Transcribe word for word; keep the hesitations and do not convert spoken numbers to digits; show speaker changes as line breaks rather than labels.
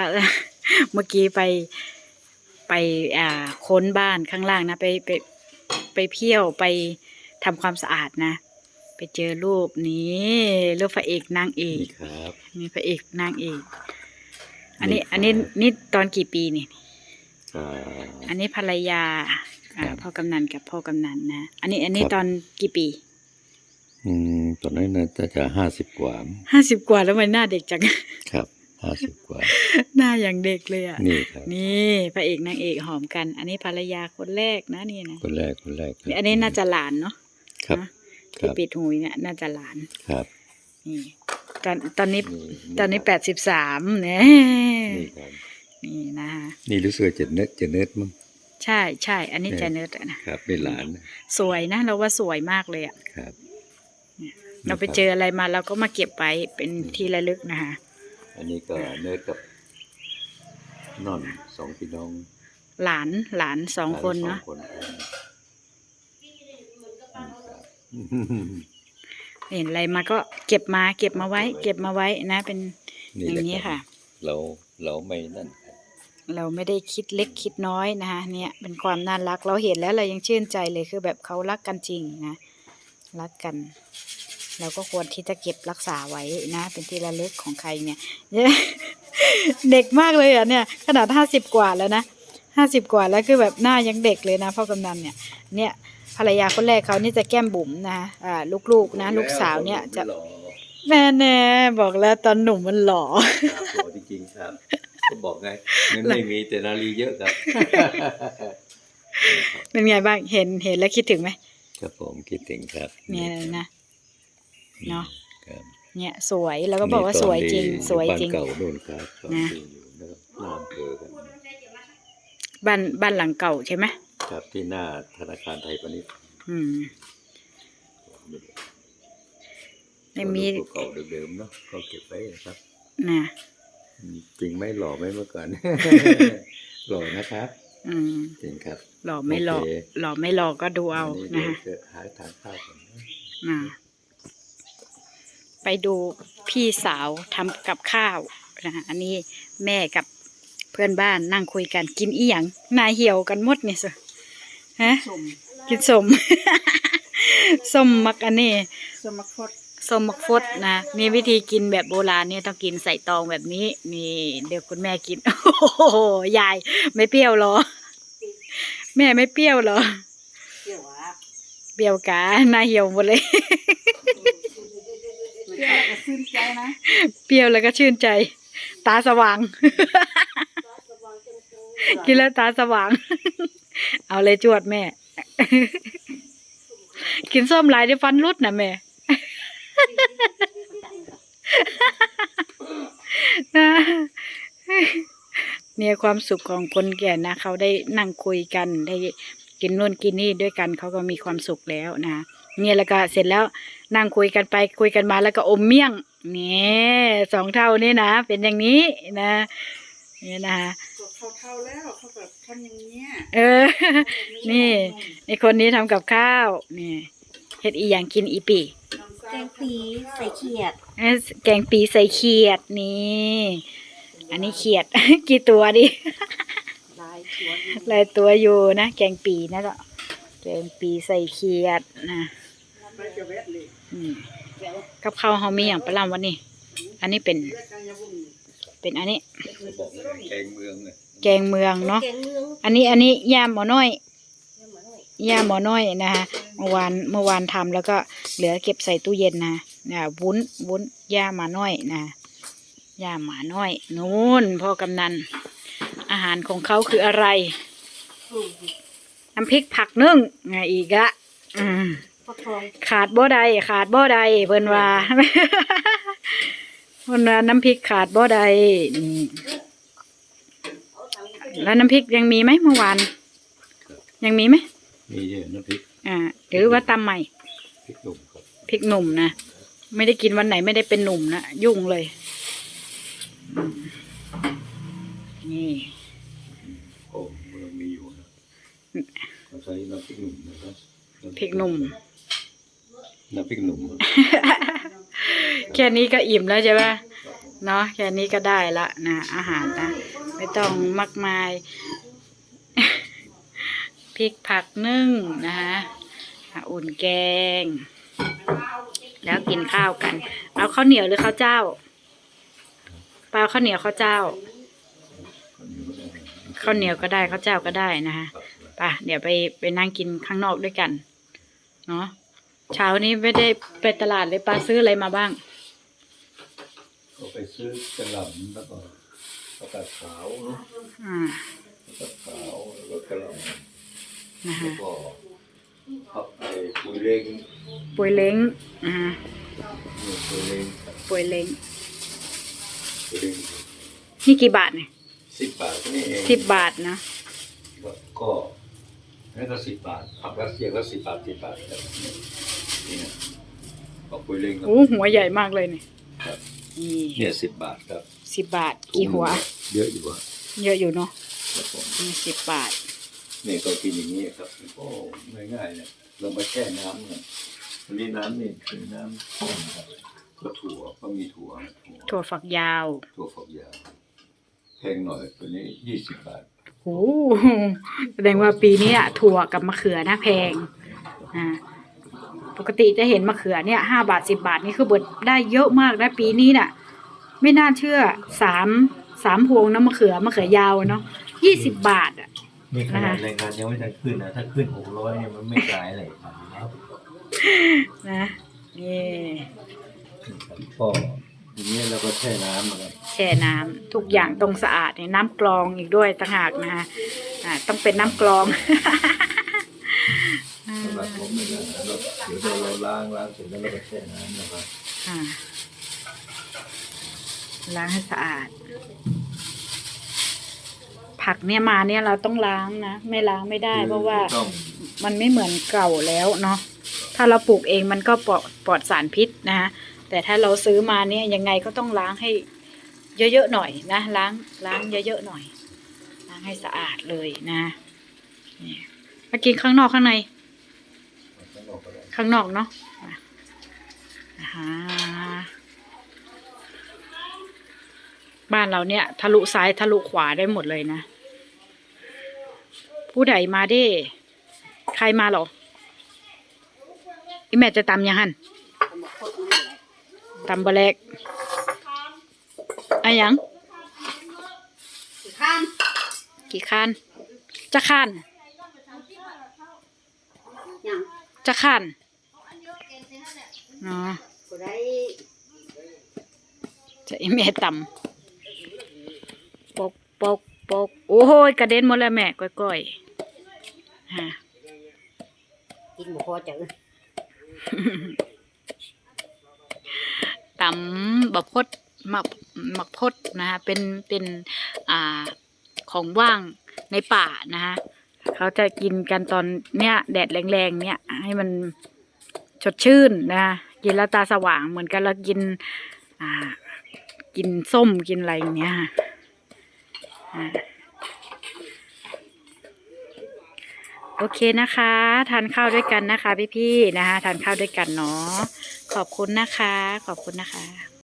เมื่อกี้ไปไปอ่าค้นบ้านข้างล่างนะไปไปไปเที่ยวไปทำความสะอาดนะไปเจอรูปนี้รูปพระเอกนางเอก
ครับ
มีพระเอกนางเอกอันนี้อันนี้นี่ตอนกี่ปีนี่อันนี้ภรรยาอ่าพ่อกำนันกับพ่อกำนันนะอันนี้อันนี้ตอนกี่ปี
อืมตอนนั้นน่าจะห้าสิบกว่า
ห้าสิบกว่าแล้วมันหน้าเด็กจัง
ครับห้าสิบกว่า
หน้าอย่างเด็กเลยอ่ะ
นี่ครับ
นี่พระเอกนางเอกหอมกันอันนี้ภรรยาคนแรกนะนี่นะ
คนแรกคนแรก
อันนี้น่าจะหลานเนาะ
ครับ
ที่ปิดหูเนี่ยน่าจะหลาน
ครับ
นี่ตอนตอนนี้ตอนนี้แปดสิบสามเนี่ยนี่ครับนี่นะ
นี่รู้สึกจะเนิร์ดจะเนิร์ดมั้ง
ใช่ใช่อันนี้จะเนิร์ดนะครับ
เป็นหลาน
สวยนะเราว่าสวยมากเลยอ่ะ
ครับ
เราไปเจออะไรมาเราก็มาเก็บไว้เป็นที่ระลึกนะคะ
อันนี้ก็เนิร์ดกับนอนสองพี่น้อง
หลานหลานสองคนเนาะเห็นอะไรมาก็เก็บมาเก็บมาไว้เก็บมาไว้นะเป็นอย่างนี้ค่ะ
เราเราไม่นั่น
เราไม่ได้คิดเล็กคิดน้อยนะคะเนี่ยเป็นความน่ารักเราเห็นแล้วเรายังชื่นใจเลยคือแบบเขารักกันจริงนะรักกันเราก็ควรที่จะเก็บรักษาไว้นะเป็นที่ระลึกของใครเนี่ยเด็กมากเลยอ่ะเนี่ยขนาดห้าสิบกว่าแล้วนะห้าสิบกว่าแล้วคือแบบหน้ายังเด็กเลยนะพ่อกำนันเนี่ยเนี่ยภรรยาคนแรกเขานี่จะแก้มบุ๋มนะอ่าลูกๆนะลูกสาวเนี่ยจะแม่แน่บอกแล้วตอนหนุ่มมันหล่อ
หล่อจริงๆครับก็บอกไงเงินไม่มีแต่นาลีเยอะครับ
เป็นไงบ้างเห็นเห็นแล้วคิดถึงไหม
ครับผมคิดถึงครับ
เนี่ยนะเนาะเนี่ยสวยแล้วก็บอกว่าสวยจริงสวยจริง
บ้านเก่าโน่นครับนะน้ำเกลือกัน
บ้านบ้านหลังเก่าใช่ไหม
ครับที่หน้าธนาคารไทยพาณิชย์
อืมไม่มี
เก่าเดิมๆเนาะก็เก็บไว้ครับ
นะ
จริงไหมหล่อไหมเมื่อก่อนหล่อนะครับ
อืม
จริงครับ
หล่อไม่หล่อหล่อไม่หล่อก็ดูเอานะฮะ
หาทานข้าวกัน
นะไปดูพี่สาวทำกับข้าวนะอันนี้แม่กับเพื่อนบ้านนั่งคุยกันกินอีหยังนายเหี่ยวกันหมดเนี่ยสิฮะกินสมส้มมักอันนี้ส้มมักฟดส้มมักฟดนะนี่วิธีกินแบบโบราณเนี่ยต้องกินใส่ตองแบบนี้นี่เดี๋ยวคุณแม่กินโอ้โหยายไม่เปรี้ยวหรอแม่ไม่เปรี้ยวหรอเปรี้ยววะเปรี้ยวกะนายเหี่ยวหมดเลยเปรี้ยวแล้วก็ชื่นใจนะเปรี้ยวแล้วก็ชื่นใจตาสว่างกินแล้วตาสว่างเอาเลยจวดแม่กินส้มหลายได้ฟันรุดนะแม่เนี่ยความสุขของคนแก่นะเขาได้นั่งคุยกันได้กินนู่นกินนี่ด้วยกันเขาก็มีความสุขแล้วนะเนี่ยแล้วก็เสร็จแล้วนั่งคุยกันไปคุยกันมาแล้วก็อมเมี่ยงเนี่ยสองเท่านี่นะเป็นอย่างนี้นะเนี่ยนะเขาเท่าแล้วเขาแบบทำอย่างเนี้ยเออนี่ไอคนนี้ทำกับข้าวนี่เฮ็ดอีอย่างกินอีปี
แกงปีใส่เขียด
แกงปีใส่เขียดนี่อันนี้เขียดกี่ตัวดิหลายตัวอยู่นะแกงปีนะจ๊ะแกงปีใส่เขียดนะกับข้าวเฮามีอย่างประหลาดวันนี้อันนี้เป็นเป็นอันนี้
แกงเมือง
แกงเมืองเนาะอันนี้อันนี้ย่าหมอน้อยย่าหมอน้อยนะคะเมื่อวานเมื่อวานทำแล้วก็เหลือเก็บใส่ตู้เย็นนะนะวุ้นวุ้นย่าหมาน้อยนะย่าหมาน้อยนู่นพ่อกำนันอาหารของเขาคืออะไรน้ำพริกผักนึ่งไงอีกอะอืมขาดบ่ใดขาดบ่ใดเพิ่นว่าเพิ่นว่าน้ำพริกขาดบ่ใดนี่แล้วน้ำพริกยังมีไหมเมื่อวานยังมีไหม
มีเยอะน้ำพริก
อ่าหรือว่าตำใหม่
พริกหนุ่มครับ
พริกหนุ่มนะไม่ได้กินวันไหนไม่ได้เป็นหนุ่มนะยุ่งเลยนี่
โอ้มันมีอยู่นะเราใช้น้ำพริกหนุ่มนะครับ
พริกหนุ่ม
น้ำพริกหนุ่ม
แค่นี้ก็อิ่มแล้วใช่ไหมเนาะแค่นี้ก็ได้ละนะอาหารนะไม่ต้องมากมาย พริกผักนึ่งนะคะอุ่นแกง แล้วกินข้าวกัน เอาข้าวเหนียวหรือข้าวเจ้าเปล่าข้าวเหนียวข้าวเจ้าข้าวเหนียวก็ได้ข้าวเจ้าก็ได้นะคะป่ะเดี๋ยวไปไปนั่งกินข้างนอกด้วยกันเนาะเช้านี้ไม่ได้ไปตลาดเลยป้าซื้ออะไรมาบ้าง
ก็ไปซื้อกระหล่ำแล้วก็ผักกาดขาวเนาะ
อ่า
ผักกาดขาวแล้วก็กระหล่ำ
นะ
แล้
คะ
วก็ผักไอ้ปุยเล้ง
ป่วยเล้งอ่า
นี่ปุยเล้ง
ป่วยเล้ง
ปุยเล้ง
นี่กี่บาทเนี่ย
สิบบาทนี่เอง
สิบบาทนะ
ก็นั่นก็สิบบาทผักรัสเซียก็สิบบาทสิบบาทครับนี่นะผักปุยเล้งครับ
โอ้หัวใหญ่มากเลยเนี่ย
ครับ
นี่
เนี่ยสิบบาทครับ
สิบบาทกี่หัว
เยอะอยู่อะ
เยอะอยู่เนาะ
ครับผม
นี่สิบบาท
นี่ก็กินอย่างนี้ครับโอ้ง่ายๆเนี่ยเรามาแช่น้ำเนี่ยวันนี้น้ำนี่คือน้ำส้มครับก็ถั่วก็มีถั่วถั่ว
ถั่วฝักยาว
ถั่วฝักยาวแพงหน่อยตัวนี้ยี่สิบบาท
โอ้โหแสดงว่าปีนี้อะถั่วกับมะเขือนะแพงอ่าปกติจะเห็นมะเขือเนี่ยห้าบาทสิบบาทนี่คือเบิดได้เยอะมากนะปีนี้น่ะ ไม่น่าเชื่อสามสามพวงนะมะเขือมะเขือยาวเนาะยี่สิบบาทอ่ะ
นี่ขนาดแรงงานยังไม่ได้ขึ้นนะ ถ้าขึ้นหกร้อยเนี่ยมันไม่จ่ายอะไรครับ
นะนี่
ก็ทีนี้เราก็แช่น้ำนะครับ
แช่น้ำทุกอย่างต้องสะอาดเนี่ยน้ำกรองอีกด้วยต่างหากนะคะอ่าต้องเป็นน้ำกรอง
สำหรับผมเนี่ยนะเราเดี๋ยวเราล้างล้างเสร็จแล้วเราก็แช่น้ำนะครับ
อ่าล้างให้สะอาด ผักเนี่ยมาเนี่ยเราต้องล้างนะไม่ล้างไม่ได้เพราะว่า
ต้อง
มันไม่เหมือนเก่าแล้วเนาะถ้าเราปลูกเองมันก็ปลอดปลอดสารพิษนะคะแต่ถ้าเราซื้อมาเนี่ยยังไงก็ต้องล้างให้เยอะๆหน่อยนะล้างล้างเยอะๆหน่อยล้างให้สะอาดเลยนะนี่มากินข้างนอกข้างใน ข้างนอกเนาะอ่าบ้านเราเนี่ยทะลุซ้ายทะลุขวาได้หมดเลยนะผู้ใดมาเด้ใครมาหรออีแม่จะตำยังหันตำบะเล็กอะยังกี่คันจะคันจะคันเนาะจะอีแม่ตำปกปกปกโอ้ยกระเด็นหมดแล้วแม่ก้อยๆฮะ
กินหมูพอจัง
ตำบักพดหมักหมักพดนะคะเป็นเป็นอ่าของว่างในป่านะคะเขาจะกินกันตอนเนี้ยแดดแรงๆเนี่ยให้มันสดชื่นนะคะกินแล้วตาสว่างเหมือนกันแล้วกินอ่ากินส้มกินอะไรอย่างเงี้ยอ่าโอเคนะคะทานข้าวด้วยกันนะคะพี่ๆนะคะทานข้าวด้วยกันเนาะขอบคุณนะคะขอบคุณนะคะ